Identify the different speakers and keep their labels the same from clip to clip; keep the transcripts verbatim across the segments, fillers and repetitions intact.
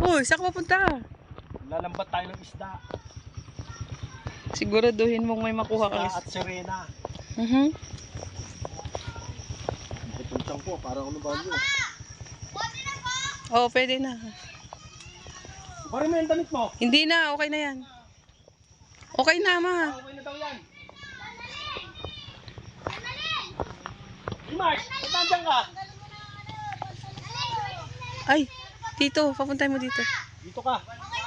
Speaker 1: Uy, saan ka papunta?
Speaker 2: Lalambat tayo ng isda.
Speaker 1: Siguraduhin mong may makuha ka.
Speaker 2: Isda at sirena.
Speaker 1: Mhm.
Speaker 2: Pupuntang ko, parang ano ba yun?
Speaker 1: Oo, pwede na.
Speaker 2: Pare mo yung damit mo.
Speaker 1: Hindi na, okay na yan. Okay na, ma.
Speaker 2: Ah, okay na daw yan. Dimash, nandiyan ka?
Speaker 1: Ay, dito, papuntay mo dito.
Speaker 2: Dito ka.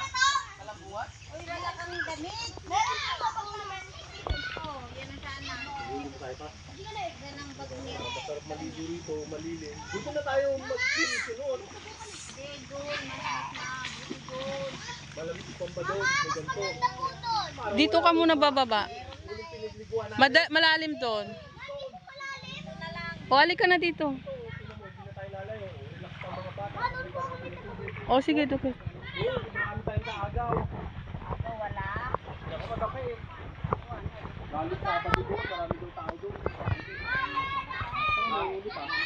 Speaker 2: Masarap maligo rito, malilim. Dito na tayo mag-sunod. Malamig pang ba doon? May ganito.
Speaker 1: Dito ka muna bababa. Mada malalim doon. O, halik ka na dito. O, sige, doon.
Speaker 2: Marami tayong kaagaw. Agaw, wala. Ako magkape. Galit sa pati doon, marami doon tao doon. Ay, hindi pa.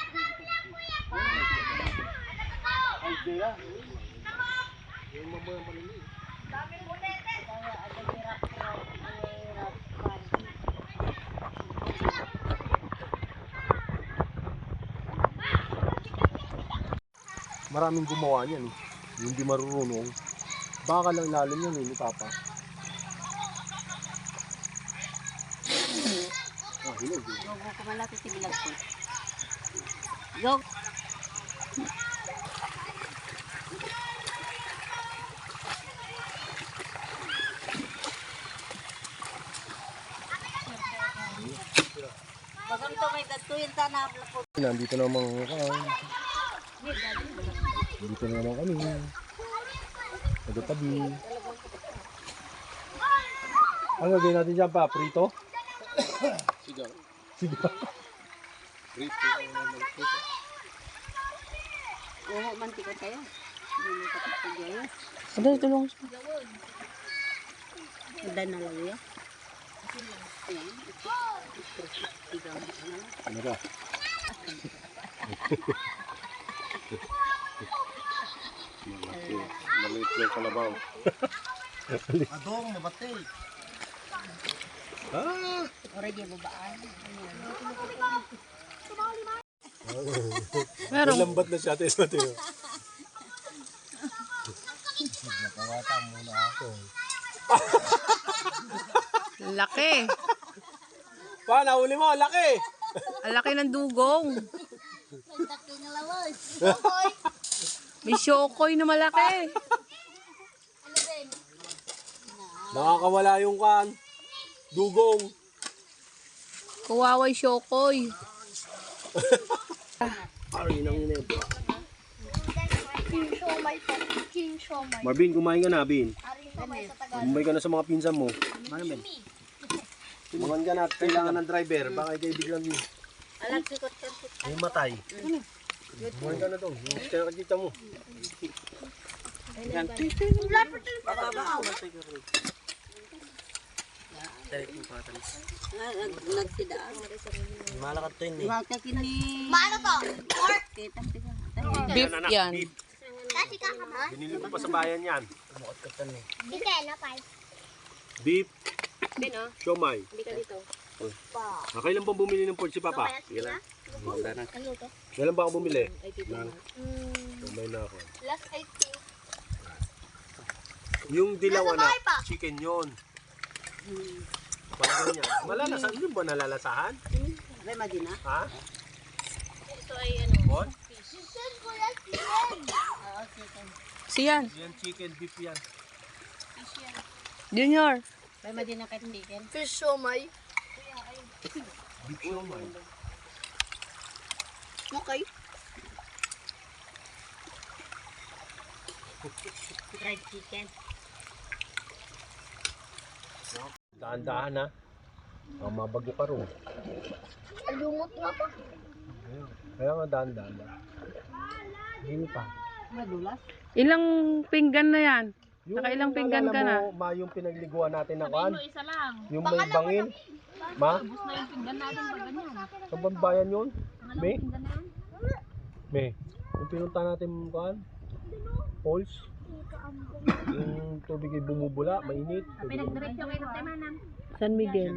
Speaker 2: Ay, hindi yan. Yung mamoy ang malili. Daming bulete. Maraming gumawa niyan eh. Yung hindi marurunong. Baka lang lalim yan eh, ni Papa. Ah, hinog eh.
Speaker 3: Go, go, kumalapit si Bilag ko. Go! Bagam to may gatuyin sana po.
Speaker 2: Nandito naman kami. Dito na naman kami. Nagatabi. Ano gagawin natin dyan pa? Prito? Sigaw. Sigaw. Prito.
Speaker 3: Oo, mantikot kayo. Hindi mo tapos sa gayo.
Speaker 1: Ada, tulong.
Speaker 3: Udan na lang yan. Ayan. Sigaw na lang.
Speaker 2: Ano ka? Malaki. Maliit yung kalabaw. Adong, mabatay. Ah!
Speaker 3: Oray di babaan.
Speaker 1: Meron.
Speaker 2: Lambat na siya. Tayo natin. Nakawata muna ako.
Speaker 1: Laki.
Speaker 2: Pa, nahuli mo. Laki!
Speaker 1: Ang laki ng dugong.
Speaker 3: Laki ng lawas.
Speaker 1: May syokoy na malaki.
Speaker 2: Nakakawala yung kan. Dugong.
Speaker 1: Kuwaway syokoy.
Speaker 2: Ari nang inebo.
Speaker 4: King Shomai po. King Shomai.
Speaker 2: Marvin, kumain ka na, Bin.
Speaker 4: Aring Shomai sa Tagalog.
Speaker 2: Kumain ka na sa mga pinsan mo. Marvin. Kumain ka na at kailangan ng driver. Baka ikay biglang
Speaker 3: Alam sikot ka.
Speaker 2: ay matay. Kumain ka na to. Kaya kakita mo. Yan.
Speaker 3: Nagsidaan.
Speaker 2: Malakat to yun eh.
Speaker 3: Wag ka kini.
Speaker 4: Maano to? Pork?
Speaker 3: Kita kita.
Speaker 1: Beef yan.
Speaker 4: Kasi kakama.
Speaker 2: Binili ko pa sa bayan yan.
Speaker 4: Dike, napay.
Speaker 2: Beef,
Speaker 3: Bino,
Speaker 2: siomay.
Speaker 3: hindi ka dito.
Speaker 2: Ah, kailan bang bumili ng pork si Papa?
Speaker 4: Kailan? Ano to?
Speaker 2: Kailan ba ako bumili?
Speaker 3: Ay dito.
Speaker 2: Lang. Siomay na ako.
Speaker 4: Last I think.
Speaker 2: Yung dilaw
Speaker 4: Nasa
Speaker 2: na
Speaker 4: bahay pa.
Speaker 2: chicken yun. Parang ganyan. Malalasahan. Yung ba nalalasahan?
Speaker 3: May madina.
Speaker 2: Ha?
Speaker 3: Ito ay ano.
Speaker 2: Bon?
Speaker 4: Chicken ko yan, chicken.
Speaker 3: Oo, chicken.
Speaker 1: Siyan.
Speaker 2: Yan chicken, beef yan.
Speaker 1: Junior.
Speaker 3: May madina kahit hindi ken.
Speaker 4: Fish Shomai.
Speaker 2: Beef siomay.
Speaker 4: Okay.
Speaker 3: Fried chicken.
Speaker 2: Daan-daan ha. Ang mabago ka rin.
Speaker 4: Lumot nga pa.
Speaker 2: Ayun. Kaya nga daan-daan ha. Hindi pa.
Speaker 3: Madulas.
Speaker 1: Ilang pinggan na yan?
Speaker 2: Yung
Speaker 1: Nakailang pinggan ka na?
Speaker 2: Mo, ma, yung pinagliguan natin na kan.
Speaker 3: Isa lang.
Speaker 2: Yung may bangin. Ma?
Speaker 3: Tapos na yung pinggan natin pag ganyan.
Speaker 2: Sa bambayan yun? May?
Speaker 3: Pinggan na yun.
Speaker 2: May. Yung pinunta natin kan. Falls. Yung tubig ay bumubula, mainit.
Speaker 3: Pinagdiretso kayo ng Manang.
Speaker 1: San Miguel.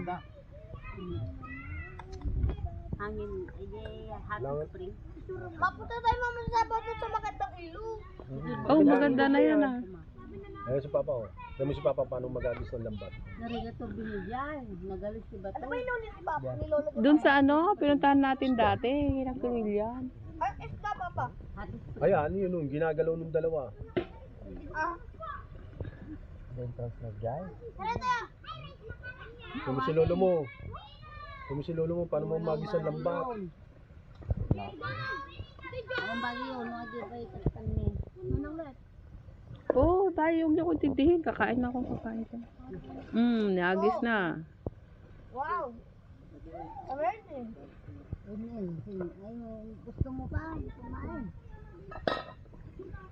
Speaker 3: Hangin, edi hot
Speaker 2: Lang-
Speaker 3: spring.
Speaker 4: Mapunta tayo mamaya sa baba sa magandang ilog.
Speaker 1: Oh, maganda na yan ah.
Speaker 2: Ayun si Papa oh. Alam mo si Papa paano magagis ng lambat.
Speaker 3: Narigato binigyan. Nagalis si Bato.
Speaker 4: Ano ba inulit ni Papa? Nilolo niya.
Speaker 1: Doon sa ano, pinuntahan natin dati, nagkumilyan.
Speaker 4: Ay, isda Papa.
Speaker 3: Hot spring.
Speaker 2: Ayan, yun nun, ginagalaw nung dalawa.
Speaker 4: Ah.
Speaker 2: Entrance na dyan.
Speaker 4: Tara tayo.
Speaker 2: Kung si lolo mo. Kung si lolo mo, paano mo magis ang lambat?
Speaker 3: Ang bagay yun, mga di ba itastan ni. Manang let.
Speaker 1: Oo, oh, tayo yung ko tindihin. Kakain na akong kakain ko. Hmm, nagis na.
Speaker 4: Wow. Amazing.
Speaker 3: Ayun, ay, gusto mo pa, kumain.